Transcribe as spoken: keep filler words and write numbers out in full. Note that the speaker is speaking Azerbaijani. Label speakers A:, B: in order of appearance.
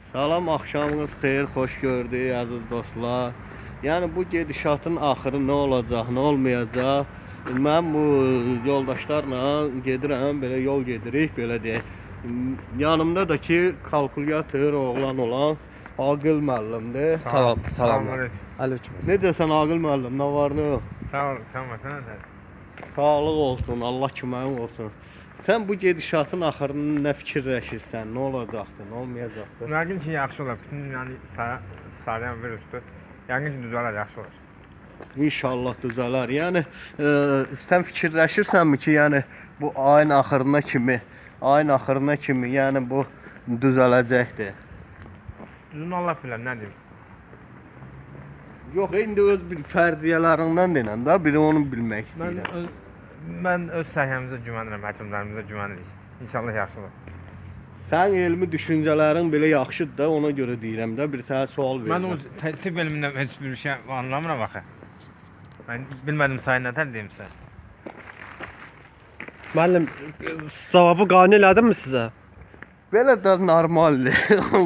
A: Salam, axşamınız xeyir, xoş gördük əziz dostlar. Yəni bu gedişatın axırı nə olacaq, nə olmayacaq? Mən bu yoldaşlarla gedirəm, belə yol gedirik, belə deyək. Yanımda da ki kalkulyator oğlan olan Aqil müəllimdir.
B: Salam, salam.
C: Aleyküm.
B: Aleyküm.
A: Necəsən Aqil müəllim? Nə var, nə yox?
C: Sağ ol, sağ ol. Sen de.
A: Sağlıq olsun, Allah köməyin olsun. Sən bu gedişatın axırını nə fikirləşirsən? Nə olacaqdı, nə olmayacaqdı?
C: Yəqin ki, yaxşı olar. Bütün dünyanı sa sarıyan virusdur. Yəqin ki, düzələr, yaxşı olar.
A: İnşallah düzələr. Yəni e, sən fikirləşirsənmi ki, yəni bu ayın axırına kimi, ayın axırına kimi, yəni bu düzələcəkdir?
C: Düzün Allah bilər, nə deyim?
A: Yox, indi öz bir fərdiyyələrindən denən də, biri onu bilmək
C: Mən
A: istəyirəm.
C: öz, mən öz səhiyyəmizə güvənirəm, həkimlərimizə güvənirik. İnşallah yaxşı olar.
A: Sənin elmi düşüncələrin belə yaxşıdır da, ona görə deyirəm də, bir sənə sual
C: Mən o
A: verirəm.
C: tibb elmindən heç bir şey anlamıram axı. Mən bilmədim sayı nətər deyim sizə.
B: Müəllim, cavabı qane elədimmi sizə?
A: Belə də normaldır.